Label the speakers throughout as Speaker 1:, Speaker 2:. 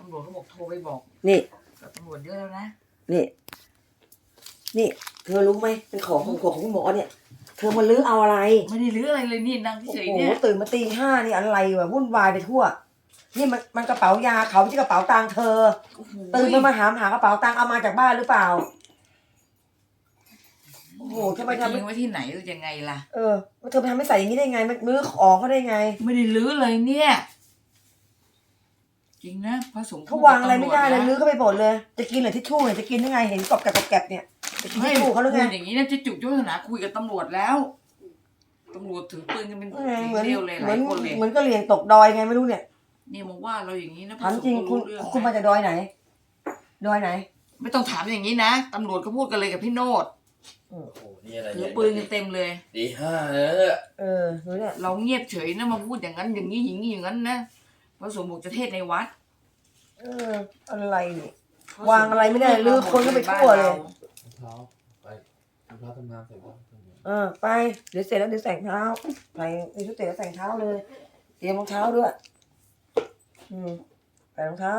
Speaker 1: ำรวจเขาบอกโทรไปบอก
Speaker 2: นี่
Speaker 1: กับตำรวจเยอะแล้วนะ
Speaker 2: นี่เธอรู้ไหมเป็นของคุณหมอเนี่ยเธอมาลื้อเอาอะไร
Speaker 1: ไม่ได้รื้ออะไรเลยนี่นั่ง
Speaker 2: โอ้
Speaker 1: เฉย
Speaker 2: โห
Speaker 1: ๆเนี่ย
Speaker 2: ตื่นมาตีห้านี่อะไรวะวุ่นวายไปทั่วนี่มันกระเป๋ายาเขาไม่ใช่กระเป๋าตังค์เธอ
Speaker 1: โอ้โห
Speaker 2: ตื่นมาหากระเป๋าตังค์เอามาจากบ้านหรือเปล่าโอ้โหทำไม
Speaker 1: จะ
Speaker 2: ทำ
Speaker 1: ทิ้งไว้ที่ไหนหรือยังไงล่ะ
Speaker 2: ว่าเธอไปทำไม่ใส่อย่างนี้ได้ไงมันลื้อของเขาได้ไง
Speaker 1: ไม่ได้รื้อเลยเนี่ย จริงนะพระสงฆ์
Speaker 2: เขาวางอะไรไม่ได้เลยลื้อเข้าไปหมดเลยจะกินเหรอทิชชู่เนี่ยจะกินยังไงเห็นกรอบแกรบเนี่ยจะกินทิชชู่เขาหรือไง
Speaker 1: พูดอย่างนี้นะจะจุกยุทธนาคุยกับตำรวจแล้วตำรวจถือปืนกันเป็น
Speaker 2: เหมือน
Speaker 1: เดียวเลยหลายคนเลย
Speaker 2: เหมือนก็เรียนตกดอยไงไม่รู้เนี่ย
Speaker 1: นี่มาว่าเราอย่างนี้นะพ
Speaker 2: ถาม
Speaker 1: ระสงฆ์
Speaker 2: จริง
Speaker 1: ก็
Speaker 2: คุณ
Speaker 1: เรื่อง
Speaker 2: คุณมาจากดอยไหนดอยไหน
Speaker 1: ไม่ต้องถามอย่างนี้นะตำรวจเขาพูดกันเลยกับพี่โนด
Speaker 3: โอ้โหนี่อะไร
Speaker 1: ถือปืนกันเต็มเลย
Speaker 3: ตีห้าแล้วเนี่ย
Speaker 2: รู้เนี่ย
Speaker 1: เราเงียบเฉยนะมาพูดอย่างนั้นอย่างนี้อย่างนี้อย่างนั้นนะพระสงฆ์บอกจะเทศน์ในวัด
Speaker 2: อะไรนี่วางอะไรไม่ได้ลื้อคนก็ไปทั่วเลย
Speaker 3: รองเท้าไปรองเท้าทำงานใส่บ้าง
Speaker 2: ไปเดี๋ยวเสร็จแล้วเดี๋ยวใส่รองเท้าไปชุดเสร็จแล้วใส่รองเท้าเลยเตรียมรองเท้าด้วยใส่รองเท้าร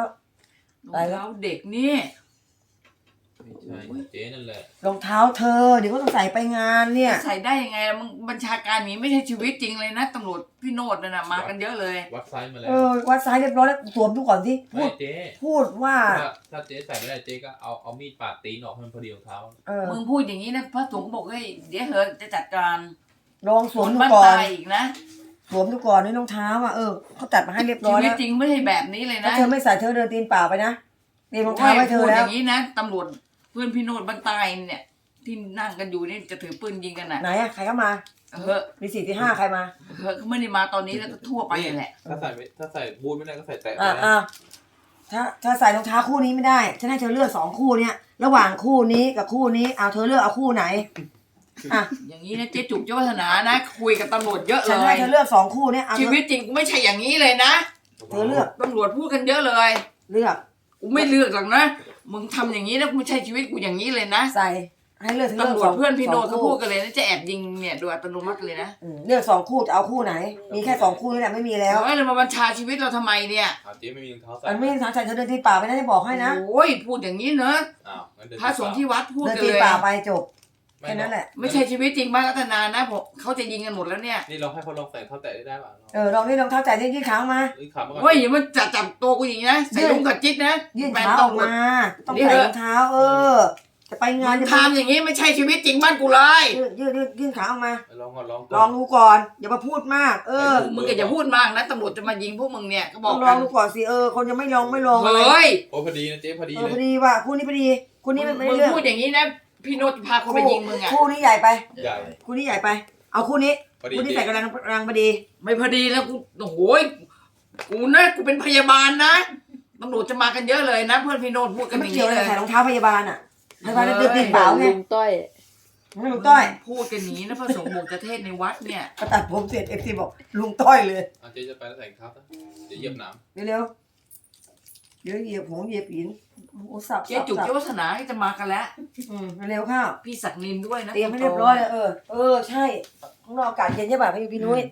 Speaker 1: องเท้าเด็กนี่
Speaker 3: ไม่ใช่เจ๊นั่นแหละ
Speaker 2: รองเท้าเธอเดี๋ยวก็ต้องใส่ไปงานเนี่ย
Speaker 1: ใส่ได้ยังไงล่ะมึงบัญชาการนี้ไม่ใช่ชีวิตจริงเลยนะตำรวจพี่โนดน่ะมากันเยอะเลย
Speaker 3: วัดไซส์มาแล้ว
Speaker 2: วัดซ้ายเรียบร้อยแล้วสวมดูก่อนสิพู
Speaker 3: ไม่
Speaker 2: ด
Speaker 3: เจ๊
Speaker 2: พูดว่า
Speaker 3: ถ้าเจ๊ใส่ไม่ได้เจ๊ก็เอามีดปาดตีนออกให้มันพอดีรองเท้า
Speaker 1: มึงพูดอย่างนี้นะพระสงฆ์บอกเฮ้ยเดี๋ยวเหอะจะจัดการ
Speaker 2: ลองสวมดู
Speaker 1: บ้าน
Speaker 2: ก่อน
Speaker 1: ตายอีกนะ
Speaker 2: สวมดูก่อนในรองเท้าเขาจัดมาให้เรียบร้
Speaker 1: ชี
Speaker 2: อย
Speaker 1: วิต
Speaker 2: แล้ว
Speaker 1: จริงไม่ใช่แบบนี้เลย
Speaker 2: ถ้า
Speaker 1: นะ
Speaker 2: เธอไม่ใส่เธอเดินตีนเปล่าไปนะเตรียมรองเท้าไว้เธอ
Speaker 1: พูด
Speaker 2: แล้
Speaker 1: อ
Speaker 2: ว
Speaker 1: ย่างนี้นะตำรวจเพื่อนพี่โนดบ้านตายเนี่ยที่นั่งกันอยู่นี่จะถือปืนยิงกันน่ะ
Speaker 2: ไหนอะใครเข้ามา
Speaker 1: เฮ้อะ
Speaker 2: มี4 ที่ 5ใครมา
Speaker 1: เฮ้อะเขาไม่ได้มาตอนนี้แล้วก็ทั่วไปแหละ
Speaker 3: ถ้าใส่บูทไม่ได้ก็ใส่แตะ
Speaker 2: ถ้าใส่รองเท้าคู่นี้ไม่ได้ฉันให้เธอเลือก2 คู่เนี่ยระหว่างคู่นี้กับคู่นี้เอาเธอเลือกเอาคู่ไหนอ่ะ
Speaker 1: อย่างนี้นะเจ๊จุกเจ้าวัฒนานะคุยกับตำรวจเยอะเล
Speaker 2: ฉันให้
Speaker 1: ย
Speaker 2: เธอเลือก2 คู่เนี่ยเอา
Speaker 1: ชีวิตจริงกูไม่ใช่อย่างนี้เลยนะ
Speaker 2: เธอเลือก
Speaker 1: ตำรวจพูดกันเยอะเลย
Speaker 2: เลือก
Speaker 1: กูไม่เลือกหรอกนะมึงทำอย่างนี้นะกูไม่ใช่ชีวิตกูอย่างนี้เลยนะ
Speaker 2: ใส่ให้เลือกเธอเลือก
Speaker 1: ตำรวจเพื่อนพี่โนด
Speaker 2: ส
Speaker 1: เขา
Speaker 2: ง
Speaker 1: พู
Speaker 2: คู่
Speaker 1: ดกันเลยนะจะแอบยิงเนี่ยโดยอัตโนมัติเลยนะ
Speaker 2: เลือก2 คู่จะเอาคู่ไหน มีแค่2 คู่นี่แหละไม่มีแล้ว
Speaker 1: เฮ้ยเรามาบัญชาชีวิตเราทำไมเนี่ย
Speaker 3: เจ๊ไม่มีรองเท้าใส่
Speaker 2: มันไม่ได้ใส่เธอเดินตีนเปล่าไปนะจะบอกให้นะ
Speaker 1: โอ้ยพูดอย่างนี้เนอะ
Speaker 3: งั้นเดิน
Speaker 1: พระสงฆ์ที่วัดพูด
Speaker 2: เดิน
Speaker 1: กัน
Speaker 2: ตีน
Speaker 1: เลย
Speaker 2: เปล่าไปจบแค่นั้นแหละ
Speaker 1: ไม่ใช่ชีวิตจริงบ้านรัตนานะผมเขาจะยิงกันหมดแล้วเนี่ย
Speaker 3: นี่เราให้เขาลองใส่เท้าแตะได้ป่ะ
Speaker 2: ลองนี่รองเท้าแตะยืดขาออกมา
Speaker 3: ขามาก่อน
Speaker 1: เฮ้ยอย่ามาจับตัวกูอย่างนี้นะใส่ลุงกับจิ๊กนะ
Speaker 2: ยื่น
Speaker 1: แฟน
Speaker 2: เท้าออก
Speaker 1: ตำรวจ
Speaker 2: มาต้องใส่รองเท้าจะไปงาน
Speaker 1: มึงทำอย่างนี้ไม่ใช่ชีวิตจริงบ้านกูเลย
Speaker 2: ยื่นขาออกมา
Speaker 3: ลองก่อน
Speaker 2: ลองดูก่อนอย่ามาพูดมาก
Speaker 1: มึงก็อย่าพูดมากนะตำรวจจะมายิงพวกมึงเนี่ยก็บ
Speaker 2: ต้
Speaker 1: อ
Speaker 2: อก งล
Speaker 1: กั
Speaker 2: อง
Speaker 1: น
Speaker 2: ดูก่อนสิคนยังไม่ลอง
Speaker 1: เฮ้ย
Speaker 3: โอ้พอดีนะเจ๊พอดี
Speaker 2: พ
Speaker 3: เลย
Speaker 2: อดีว่าคู่นี้พอดีคู่นี้ไม่
Speaker 1: มึ
Speaker 2: ได้
Speaker 1: ง
Speaker 2: เรื่อง
Speaker 1: พูดอย่างนี้นะพี่โนตพาเขาไปยิงมึงอ่ะ
Speaker 2: คู่นี้ใหญ่ไป
Speaker 3: ใหญ่
Speaker 2: คู่นี้ใหญ่ไป เอาคู่นี้
Speaker 3: พอดี
Speaker 2: คู่นี้ใส่กำลังพอดี
Speaker 1: ไม่พอดีแล้วกูโอ้โหกูนะกูเป็นพยาบาลนะตำรวจจะมากันเยอะเลยนะ เพื่อนพี่โนตพูดกันอ
Speaker 2: ไม่
Speaker 1: ย่าง
Speaker 2: เกี่ยว
Speaker 1: นี้
Speaker 2: เล
Speaker 1: เลย ย
Speaker 2: ใส่รองเท้าพยาบาลพยาบาลเดินตีนเปล่าไง
Speaker 4: ลุงต้อย
Speaker 2: ไม่ลุงต้อย
Speaker 1: พูดกันอย่างนี้นะพระสงฆ์บอกจะเทศน์ในวัดเนี่ย
Speaker 2: ก็ตัดผมเสร็จFCบอกลุงต้อยเลย
Speaker 3: เจ๊จะไปแล้วใส่ครับเดี๋ยวเหยียบน้
Speaker 2: เร็วเดี๋ยวเหยียบหงเหยียบหินโอ้สับ
Speaker 1: เจ๊จุกเจ้าวัฒนาจะมากันแล้ว
Speaker 2: เร็วข้าว
Speaker 1: พี่ศักดิ์นินด้วยนะ
Speaker 2: เตรียมให้เรียบร้อยเลยใช่ข้างนอกอากาศเย็นใช่ป่ะพี่นุ้ย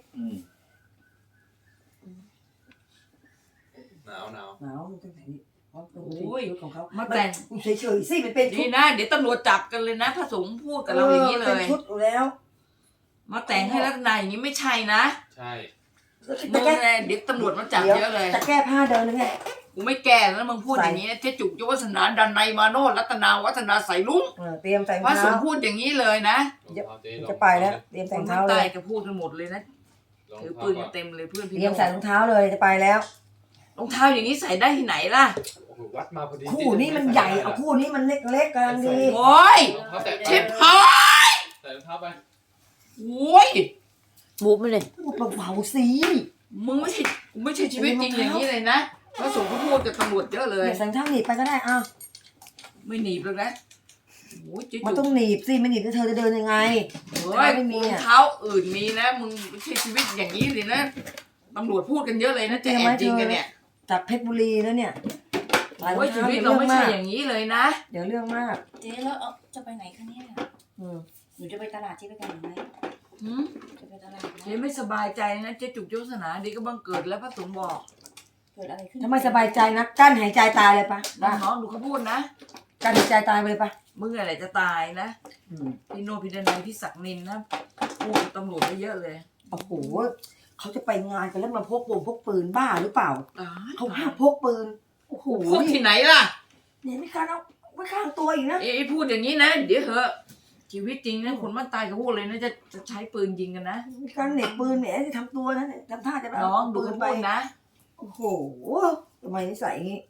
Speaker 3: หนาว
Speaker 2: หนาวมันต้องใส่นี่
Speaker 1: โอ้ย
Speaker 2: ของเขา
Speaker 1: มาแต่ง
Speaker 2: เฉยๆสิมันเป็นชุ
Speaker 1: นี่
Speaker 2: ด
Speaker 1: นะเดี๋ยวตำรวจจับกันเลยนะพระสงฆ์พูดกับเราอย่างนี้เล
Speaker 2: เป็น
Speaker 1: ย
Speaker 2: ชุดอยู่แล้ว
Speaker 1: มาแต่งให้รัตนาอย่างนี้ไม่ใช่นะ
Speaker 3: ใช่
Speaker 1: มึงเนี่ยเดี๋ยวตำรวจมาจับเยอะเลย
Speaker 2: จะแก้ผ้าเดินเลยไง
Speaker 1: กูไม่แก่แล้วมึงพูดอย่างนี้นะเจ๊จุกเจ้าวัฒนาดันในยมาโนรัตนาวัฒนาใส่ลุง
Speaker 2: เตรียมแต่ง
Speaker 1: พระส
Speaker 2: เท้าง
Speaker 1: ฆ์พูดอย่างนี้เลยนะ
Speaker 2: จะไปแล้วเตรียม
Speaker 1: ค
Speaker 2: แต่ง
Speaker 1: น
Speaker 2: เท้า
Speaker 1: ทั้ง
Speaker 2: เล
Speaker 1: ใต้
Speaker 2: ย
Speaker 1: ก็พูดกันหมดเลยนะถือปืนกันเต็มเลยเพื่อนพี่
Speaker 2: เตรียมใส่รองเท้าเลยจะไปแล้ว
Speaker 1: รองเท้าอย่างนี้ใส่ได้ที่ไหนล่ะ
Speaker 3: วัดมาพอดี
Speaker 2: คู่นี้มันใหญ่เอาคู่นี้มันเล็กๆกำลังดี
Speaker 1: โอ้ย
Speaker 3: รองเท้าแตะ
Speaker 1: ชิบหาย
Speaker 3: ใส่รองเท้าไป
Speaker 1: โอ้ย
Speaker 4: มูฟไม่เลย
Speaker 2: พูดเบาๆสิ
Speaker 1: มึงไม่ใช่ชีวิตจริงอย่างนี้เลยนะพระสงฆ์ก็พูดกับตำรวจเยอะเลย
Speaker 2: ใส่รองเท้าหนีบไปก็ได้อ้าว
Speaker 1: ไม่หนีบเลยนะโอ้ยเจ๊
Speaker 2: มัน
Speaker 1: จุ
Speaker 2: ต้อก งหนีบสิไม่หนีบแล้วเธอจะเดินยังไง
Speaker 1: เฮ้ย
Speaker 2: ไม่มี
Speaker 1: รอง
Speaker 2: อ่ะ
Speaker 1: เท้าอื่นมีนะมึงไม่ใช่ชีวิตอย่างนี้เลยนะตำรวจพูดกันเยอะเลยนะจะแอบยิงกันเนี่ย
Speaker 2: จากเพชรบุรีแล้วเนี่ยใส่รอ
Speaker 1: โอ้ย
Speaker 2: ง
Speaker 1: ชี
Speaker 2: เท้า
Speaker 1: วิต
Speaker 2: เดี๋ยว
Speaker 1: เรา
Speaker 2: เรื่อง
Speaker 1: ไม่ใช่
Speaker 2: มาก
Speaker 1: อย่างนี้เลยนะ
Speaker 2: เดี๋ยวเรื่องมาก
Speaker 4: เจ๊แล้วจะไปไหนคะเนี่ย
Speaker 2: อืม
Speaker 4: หนูจะไปตลาดเจ๊ไปกันหรือไหม
Speaker 1: หืม
Speaker 4: จะไปตลาดไหม
Speaker 1: เจ๊ไม่สบายใจนะเจ๊จุกเจ้าศาสนาดีก็บังเกิดแล้วพระสงฆ์บอก
Speaker 4: ไปกิดอะไรขึ้น
Speaker 2: ถ้าไม่สบายใจนะกั้นหายใจตายเลยปะ
Speaker 1: น้องๆดูเขาพูดนะ
Speaker 2: กั้นหายใจตายไปเลยปะ
Speaker 1: มึงอะไรจะตายนะพี่โนพี่ดนัยพี่ศักดิ์นินนะพูดกับตำรวจไปเยอะเลย
Speaker 2: โอ้โหเขาจะไปงานกันแล้วมาพกปืนบ้าหรือเปล่า
Speaker 1: ตาย
Speaker 2: เขาห้ามพกปืนโอ้โห
Speaker 1: พูดที่ไหนล่ะ
Speaker 2: เนี่ยไม่การเอาไว้ข้างตัวอีกนะ
Speaker 1: เอ้ยพูดอย่างนี้นะเดี๋ยวเหอะชีวิตจริงนะคนบ้านตายเขาพูดเลยนะจะใช้ปืนยิงกันนะ
Speaker 2: มีการเหน็บปืนแหมจะทำตัวนะเนี่ยทำท่าจะไป
Speaker 1: น้องดู
Speaker 2: ปืน
Speaker 1: เขา
Speaker 2: ไป
Speaker 1: พูดนะ
Speaker 2: โอ้โหทำไมนิสัยอย่างนี้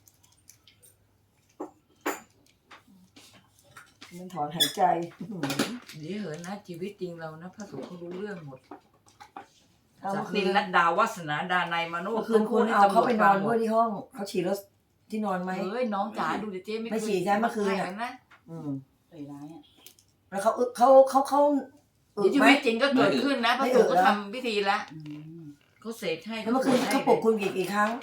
Speaker 2: มันถอนหายใจ
Speaker 1: เดี๋ยวเหอะนะชีวิตจริงเรานะพระสงฆ์เขารู้เรื่องหมด
Speaker 2: เอา
Speaker 1: ศั
Speaker 2: เมื่
Speaker 1: ก
Speaker 2: อ
Speaker 1: ดิ์
Speaker 2: คื
Speaker 1: นิ
Speaker 2: น
Speaker 1: นรัตดาวัฒนาดานัยมาโน
Speaker 2: เมื่อคืนคุณเอาเขาไปนอนด้วยที่ห้องเขาฉี่รถที่นอนไหม
Speaker 1: เฮ้ยน้องจ๋าดูดิเจ๊
Speaker 2: ไม่ฉี่ใช่เมื่อคืน
Speaker 1: อะ
Speaker 2: อะ
Speaker 1: นะ
Speaker 2: อืม
Speaker 4: เลยร้ายอ่ะ
Speaker 2: แล้วเขา
Speaker 1: เดี๋ยวชี
Speaker 2: ไหม
Speaker 1: วิตจริงก็เกิดขึ้นนะพ
Speaker 2: ไม่
Speaker 1: ระ
Speaker 2: อึ
Speaker 1: สงฆ์ก็
Speaker 2: เหรอ
Speaker 1: ทำพิธีละ
Speaker 4: อืม
Speaker 1: เขาเสกให้
Speaker 2: แล้วเมื่อคืนเขาปลุกคุณกี่ครั้ง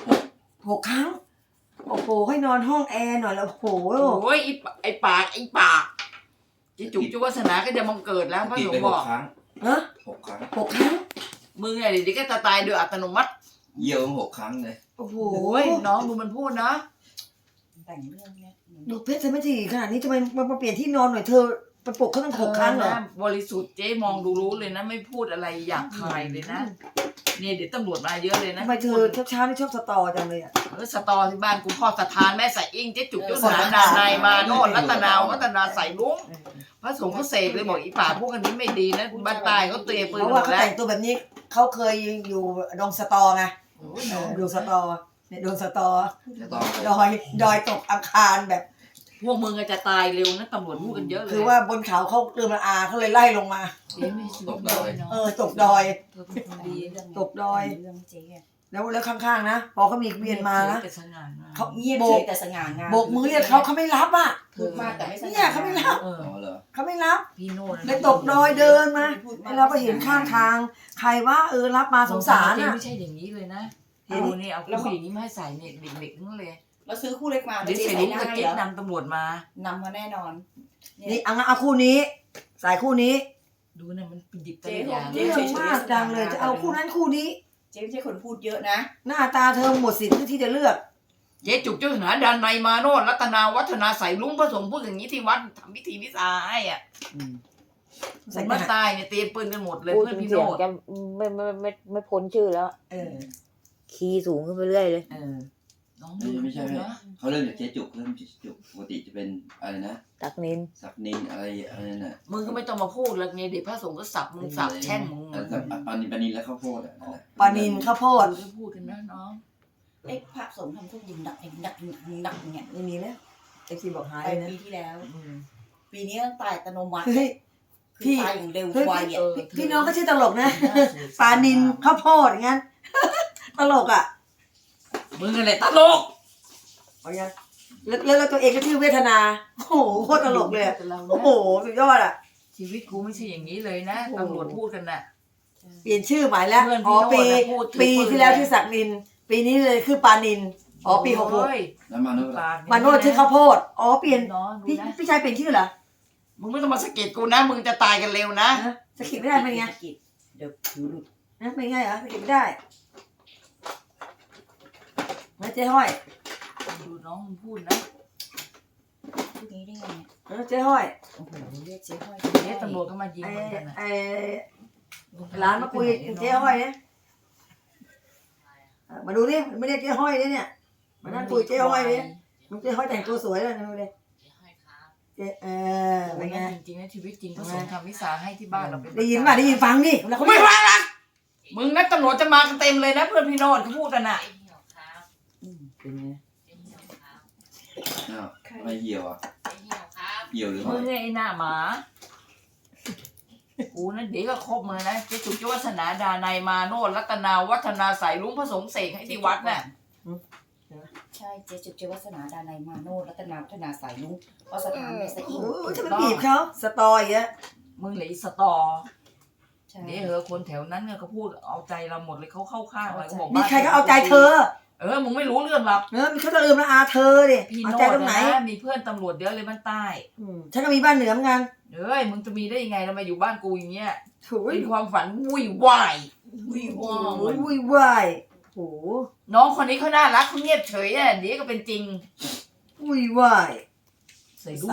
Speaker 2: 6 ครั้งโอ้โหให้นอนห้องแอร์หน่อยแล้วโอ้โห
Speaker 1: โอ้ยไอ้ปากจิจุกจุวัฒนาก็จะบังเกิดแล้วพระ
Speaker 5: ติด
Speaker 1: สง
Speaker 5: ไป
Speaker 1: ฆ์
Speaker 5: ห
Speaker 1: บอก
Speaker 5: กครั้ง
Speaker 2: ฮะ
Speaker 5: 6 ครั้ง
Speaker 2: 6 ครั้ง
Speaker 1: มึงไงเดี๋ยวก็จะตายโดยอัตโนมัติ
Speaker 5: เยี่ยว6 ครั้งเลย
Speaker 2: โอ้โห
Speaker 1: โอ้ยน้องดูมันพูดนะ
Speaker 4: แต่งเรื่องเนี้ย
Speaker 2: ดูเพชรเธอไม่ถี่ขนาดนี้ทำไมมาเปลี่ยนที่นอนหน่อยเธอไปปลุกเขาตั้ง6 ครั้งเหรอ
Speaker 1: นะบริสุทธิ์เจ๊มองดูรู้เลยนะ ไม่พูดอะไรหยาบคายเลยนะเนี่ยเดี๋ยวตำรวจมาเยอะเลยนะ
Speaker 2: ทำไมเธอเช้านี่ชอบสตอจังเลยอ่ะ
Speaker 1: สตอที่บ้านกูพ่อสถานแม่ใส่อิงเจ๊จุกเจ้าสนาดานายมาโนดรัตนาวัฒนาใส่ลุงพระสงฆ์เขาเสกเลยบอกอีป่าพวกอันนี้ไม่ดีนะบ้านตายเขาเตะปืน
Speaker 2: เพราะ
Speaker 1: หม
Speaker 2: ว่า
Speaker 1: ด
Speaker 2: เขา
Speaker 1: แล้ว
Speaker 2: แต่งตัวแบบนี้เขาเคยอยู่ดงสตอไงดูสตอเนี่ยดงสตอ
Speaker 5: จะต้อง
Speaker 2: ดอยตกอังคารแบบ
Speaker 1: พวกมึงจะตายเร็วนะตำรวจพูดกันเยอะเลย
Speaker 2: คือว่าบนเขาเขาเติมละอาเขาเลยไล่ลงมา
Speaker 1: เจ๊ไม่ซื้อเลยเนาะ
Speaker 2: ตกดอย
Speaker 1: เธอเป็นคนดี
Speaker 2: ตกดอย
Speaker 4: เรื่องเจ๊อะ
Speaker 2: แล้วข้างๆนะพอเขามีเวียนมานะ
Speaker 1: แต่สง่างาม
Speaker 2: เขา
Speaker 4: เงียบ
Speaker 2: โบ
Speaker 4: เฉ
Speaker 2: ก
Speaker 4: ยแต่สง่างาม
Speaker 2: โบกมือเรียกเขาไม่รับอ่ะ
Speaker 4: พูดมากแต่ไม่สง่า
Speaker 2: เนี่ยเขาไม่รับ
Speaker 1: เออ
Speaker 5: อ๋อเหรอ
Speaker 2: เขาไม่รับ
Speaker 1: พี่โน่นะ
Speaker 2: เลยตกดอยเดินมาเราก็เห็นข้างทาง ใครว่ารับมาสงสาร
Speaker 1: เจ๊
Speaker 2: อ่ะ
Speaker 1: ไม่ใช่อย่างนี้เลยนะ
Speaker 2: เห็น
Speaker 1: เอาเนี่ยเอาผู้หญิงนี้มาให้ใส่เนี่ยเด็กๆนั่นเลย
Speaker 4: เราซื้อคู่เล็กมา
Speaker 1: เดี๋ยว
Speaker 4: เจ๊
Speaker 1: เสร็จ
Speaker 4: ใส่
Speaker 1: นี้
Speaker 4: ได้
Speaker 1: ก็เจ๊
Speaker 4: เหรอน
Speaker 1: ำตำรวจมา
Speaker 4: นำมาแน่นอน
Speaker 2: นี่เอาคู่นี้สายคู่นี้
Speaker 1: ดูนะมันเป็นดิบ
Speaker 4: เจ๊
Speaker 1: ตะอย่าง
Speaker 2: เรื่องมากดังเลยจะเอาคู่นั้นคู่นี้
Speaker 4: เจ๊ไม่ใช่คนพูดเยอะนะ
Speaker 2: หน้าตาเธอหมดสิทธิ์ที่จะเลือก
Speaker 1: เจ๊จุกเจ้าสนาดานในยมาโนดรัตนาวัฒนาใส่ลุงผสมพูดอย่างนี้ที่วัดทำพิธีวิสาให้อ่ะสมมาตายเนี่ยเตรียมปืนกันหมดเลย
Speaker 6: พูด
Speaker 1: เพื่อน
Speaker 6: ถึง
Speaker 1: พี่
Speaker 6: เสี
Speaker 1: โน
Speaker 6: ยง
Speaker 1: ด
Speaker 6: จะไม่พ้นชื่อแล้ว
Speaker 2: เออ
Speaker 6: คีย์สูงขึ้นไปเรื่อยเลย
Speaker 2: เออ
Speaker 1: น้อง
Speaker 5: ไม่ใช่
Speaker 1: พูดนะ
Speaker 5: เขาเริ่มจากเจ๊จุกเริ่มจากเจ๊จุกปกติจะเป็นอะไรนะ
Speaker 6: ตักนิน
Speaker 5: ศักนินอะไรนั่นน่ะ
Speaker 1: มึงก็ไม่ต้องมาพูดแล้วเนี่ยเดี๋ยวพระสงฆ์ก็สับมึงสับแช่งมึง
Speaker 5: ปานินแล้วข้าวโพดอ่ะนั่นแหละ
Speaker 2: ปลานินข้าวโพด
Speaker 1: ดูพูดกันนะน้อง
Speaker 4: เอ้พระสงฆ์ทำทุกยิงดักยิงดักยิงดักเนี่ย
Speaker 2: ไม่มีแล้วเอฟซีบอกหาย
Speaker 4: ไป
Speaker 2: เลยนะ
Speaker 4: ปีที่แล้ว
Speaker 2: อืม
Speaker 4: ปีนี้ต้องตายอัตโนมัติ
Speaker 2: เฮ้ย
Speaker 4: คือ
Speaker 2: พี่
Speaker 4: ตายอย่างเร็ว
Speaker 2: เฮ้ย
Speaker 4: ไวอ่ะ
Speaker 2: พี่น้องก็ชื่อตลกนะปลานินข้าวโพดอย่างงั้น ตลกอ่ะ
Speaker 1: มึงอะไรตลก
Speaker 2: เอาอย่างแล้วตัวเองก็ชื่อเวทนา โอ้โหโคตรตลกเลยอะโอ้โหสุดยอดอ่ะ
Speaker 1: ชีวิตกูไม่ใช่อย่างนี้เลยนะตำรวจพูดกันน่ะ
Speaker 2: เปลี่ยนชื่อใหม่แล้ว
Speaker 1: เพื่อน
Speaker 2: อ๋
Speaker 1: พี่
Speaker 2: อ
Speaker 1: โน่นน่ะพูดถึง
Speaker 2: ปี
Speaker 1: ปืน
Speaker 2: ที่แล้ว
Speaker 1: เลย
Speaker 2: ชื่อศักดิน ปีนี้เลยคือปลานินอ๋อปี66
Speaker 1: โอ้ย
Speaker 5: แล้วมาโน่น
Speaker 1: ปาก
Speaker 2: มาโนดชื่อข้าวโพดอ๋อเปลี่ยน
Speaker 1: น้องดู
Speaker 2: พี่
Speaker 1: นะ
Speaker 2: พี่ชายเปลี่ยนชื่อเหรอ
Speaker 1: มึงไม่ต้องมาสะกิดกูนะ มึงจะตายกันเร็วนะ
Speaker 2: ฮะสกิดไม่ได้เป็นไง
Speaker 4: เดี๋ยวผิวหลุด
Speaker 2: นะเป็นไงเหรอสกิดไม่ได้ไม่เจ๊ห้อย
Speaker 1: ดูน้องมึงพูดนะ
Speaker 4: พูดนี้ได้ไงเนี่ย
Speaker 2: เจ๊ห้อย
Speaker 4: โอ้โหเรียกเจ๊ห้อย
Speaker 1: เจ๊ตำรวจก็มายิง
Speaker 2: ไอ้
Speaker 1: มึงกันน่ะ
Speaker 2: ไอ้ร้านมาคุยเจ๊ห้อยเนี่ยมาดูดิไม่เรียกเจ๊ห้อยเนี่ยมานั่งคุยเจ๊ห้อยเนี่ยมันเจ๊ห้อยแต่งตัวสวยเลยนะดูดิเจ๊เป็นไง
Speaker 1: จริงๆนะชีวิตจริงเขาส่งทำวิสาให้ที่บ้านเราเป็น
Speaker 2: ได้ยินป่ะได้ยินฟังดิแล้ว
Speaker 1: กู
Speaker 2: เขา
Speaker 1: ไม่
Speaker 2: ไม่
Speaker 1: ฟังละมึงนัดตำรวจจะมากันเต็มเลยนะเพื่อนพี่โนดเขาพูดกันน่ะ
Speaker 2: เป็นไง
Speaker 5: อ้าวทำไมเหี่ยวอ่ะเหี่ยวหรือ
Speaker 1: มึ
Speaker 5: ไม่
Speaker 1: งไอ้หน้าหมากูนั่นเดี๋ยวก็ครบมือนะเจ๊จุกเจ้าวัฒนาดานายมาโนดรัตนาวัฒนาใส่ลุงผสมเสกให้ที่วัดน่ะ
Speaker 4: ใช่เจ๊จุกเจ๊วัฒนาดานายมาโนรัตนาพัฒนาสายลุงวัสถานแม่สะอิง
Speaker 2: โอ้จะไปบีบเขาสตออย่างเงี้ย
Speaker 1: มึงเหลืออีสตอ
Speaker 4: ใช่
Speaker 1: เดี๋ยวเหอะคนแถวนั้นเนี่ยเขาพูดเอาใจเราหมดเลยเขาเข้าข้างเราเขาบอก
Speaker 2: มี
Speaker 1: บ้าน
Speaker 2: ใครก็เอาใจเธอ
Speaker 1: มึงไม่รู้เรื่องหรอก
Speaker 2: มีเขาจะลืมละอาเธอดิ
Speaker 1: พี่
Speaker 2: เอา
Speaker 1: โน
Speaker 2: ใจ
Speaker 1: ด
Speaker 2: ตรงไหน
Speaker 1: นะมีเพื่อนตำรวจเยอะเลยบ้านใต้
Speaker 2: ฉันก็มีบ้านเหนือเหมือนกัน
Speaker 1: มึงจะมีได้ยังไงเรามาอยู่บ้านกูอย่างเงี้ย
Speaker 2: โถ่
Speaker 1: เป็นความฝันวุ่ยวาย
Speaker 4: วิว
Speaker 2: โอ้ยวุ่นวายโห
Speaker 1: น้องคนนี้เขาน่ารักเขาเงียบเฉยอ่ะเดี๋ยวก็เป็นจริง
Speaker 2: อุ้ยวาย
Speaker 1: ใส่ลูก